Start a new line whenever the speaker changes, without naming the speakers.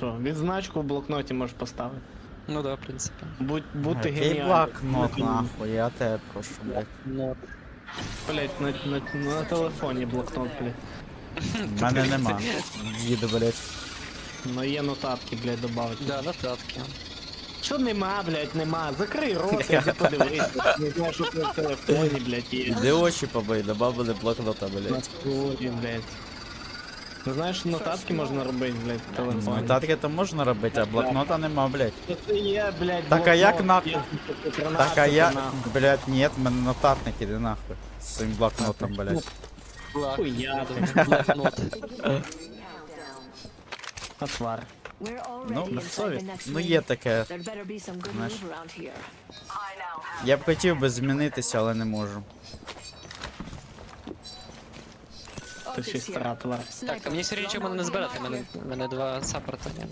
Що, відзначку в блокноті можеш поставити.
Ну да, в принципі.
Бути
Який
геніальним.
блокнот, нахуй, я тебе прошу, блядь.
Ну,
Блять, на телефоні блокнот, блять.
В мене нема. Їду, блядь.
Ну є нотатки, блять, добавити.
да, нотатки.
Що нема, блять, нема. Закрий рот, іди подивися. Не знаю, що ти в телефоні, блять, є.
Іди очі побий, добавили блокнота,
На
блядь.
столі, блять. Ну знаєш, нотатки можна робити, блять, в телефоні.
Нотатки то можна робити, а блокнота нема, блядь.
Це є, блять,
Так, а як
блокнот,
нахуй?
є 13,
Так, а я,
нахуй.
блядь, нет, в мене нотатник, іди нахуй. З цим блокнотом, блядь.
Блак.
Хуя
Блокнот.
Отвар.
Ну,
на совість.
Ну є таке. Знаєш. Я б хотів би змінитися, але не можу.
Ти ще стара твар.
Так, а мені все рівно нічого мене не збирати, мене два саппорта.